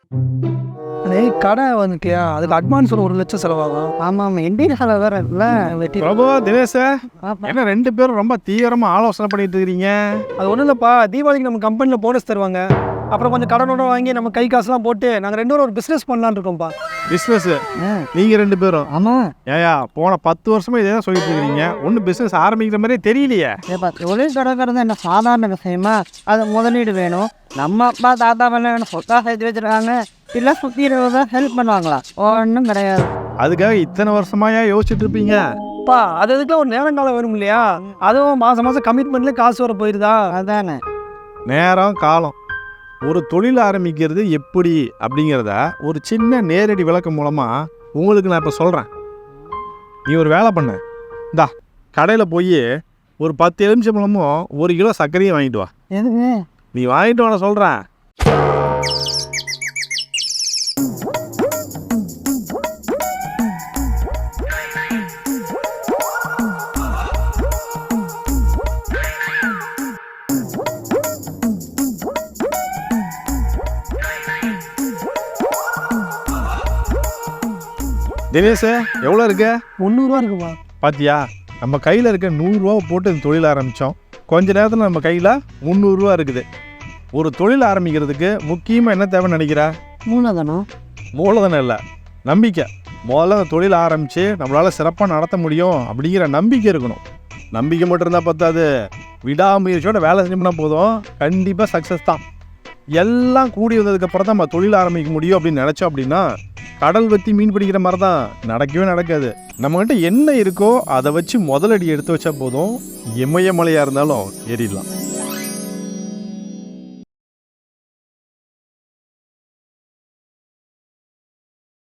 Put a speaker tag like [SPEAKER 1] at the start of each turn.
[SPEAKER 1] அதே கடை வந்துட்டியா, அதுக்கு அட்வான்ஸ் ஒரு 1,00,000 செலவாகும்.
[SPEAKER 2] ஆமாம், என்கிட்ட செலவு வேறு இல்லை.
[SPEAKER 1] வெட்டி
[SPEAKER 3] பிரபு, தினேஷ், என்ன 2 பேரும் ரொம்ப தீவிரமா ஆலோசனை பண்ணிட்டு இருக்கிறீங்க?
[SPEAKER 1] அது ஒன்றும் இல்லைப்பா, தீபாவளிக்கு நம்ம கம்பெனியில் போனஸ் தருவாங்க. அப்புறம் கொஞ்சம் கடனோட வாங்கி நம்ம கை காசுலாம் போட்டு நாங்கள் 2 பேரும் ஒரு பிஸ்னஸ் பண்ணலான்னு இருக்கோம்ப்பா.
[SPEAKER 3] பிஸ்னஸ் நீங்க 2 பேரும்?
[SPEAKER 2] ஆமாம்.
[SPEAKER 3] ஏயா, போன 10 வருஷமா இதே தான் சொல்லிட்டு இருக்கிறீங்க. ஒன்றும் பிஸ்னஸ் ஆரம்பிக்கிற மாதிரியே தெரியலையே.
[SPEAKER 2] ஏப்பா, தொழில் தொடங்குறது என்ன சாதாரண விஷயமா? அது முதலீடு வேணும். நம்ம அப்பா தாத்தா வேணும் சொத்தா சேர்த்து வச்சுருக்காங்க. இல்லை சுற்றி இருபதாக ஹெல்ப் பண்ணுவாங்களா? ஒன்றும் கிடையாது.
[SPEAKER 3] அதுக்காக இத்தனை வருஷமாயா யோசிச்சுட்டு இருப்பீங்க?
[SPEAKER 1] பா, அது அதுக்குலாம் ஒரு நேரங்காலம் வேணும் இல்லையா? அதுவும் மாதம் மாதம் கமிட்மெண்ட்லேயே காசு வர போயிருதா?
[SPEAKER 2] அதானே.
[SPEAKER 3] நேரம் காலம். ஒரு தொழில் ஆரம்பிக்கிறது எப்படி அப்படிங்கிறத ஒரு சின்ன நேரடி விளக்கம் மூலமாக உங்களுக்கு நான் இப்போ சொல்கிறேன். நீ ஒரு வேலை பண்ண, இந்தா கடையில் போய் ஒரு 10 எலுமிச்சம்பழமும் 1 கிலோ சர்க்கரையும் வாங்கிட்டு வா.
[SPEAKER 2] எதுக்கு?
[SPEAKER 3] நீ வாங்கிட்டு வான சொல்கிறேன். தினேஷ், எவ்வளோ இருக்கு?
[SPEAKER 1] 300 இருக்குப்பா.
[SPEAKER 3] பாத்தியா, நம்ம கையில் இருக்க 100 ரூபா போட்டு இந்த தொழில் ஆரம்பித்தோம். கொஞ்ச நேரத்தில் நம்ம கையில் 300 ரூபா இருக்குது. ஒரு தொழில் ஆரம்பிக்கிறதுக்கு முக்கியமாக என்ன தேவைன்னு நினைக்கிறா?
[SPEAKER 2] மூலதனம்.
[SPEAKER 3] மூலதனம் இல்லை, நம்பிக்கை. முதல்ல அந்த தொழில் ஆரம்பித்து நம்மளால் சிறப்பாக நடத்த முடியும் அப்படிங்கிற நம்பிக்கை இருக்கணும். நம்பிக்கை மட்டும் இருந்தால் பத்தாது, விடாமுயற்சியோட வேலை செஞ்சோம்னா போதும், கண்டிப்பாக சக்ஸஸ் தான். எல்லாம் கூடி வந்ததுக்கப்புறம் தான் நம்ம தொழில் ஆரம்பிக்க முடியும் அப்படின்னு நினச்சோம் அப்படின்னா கடல் வற்றி மீன் பிடிக்கிற மாதிரி தான், நடக்கவே நடக்காது. நம்மகிட்ட என்ன இருக்கோ அதை வச்சு முதலடி எடுத்து வச்சா போதும், இமயமலையாக இருந்தாலும் ஏறிடலாம்.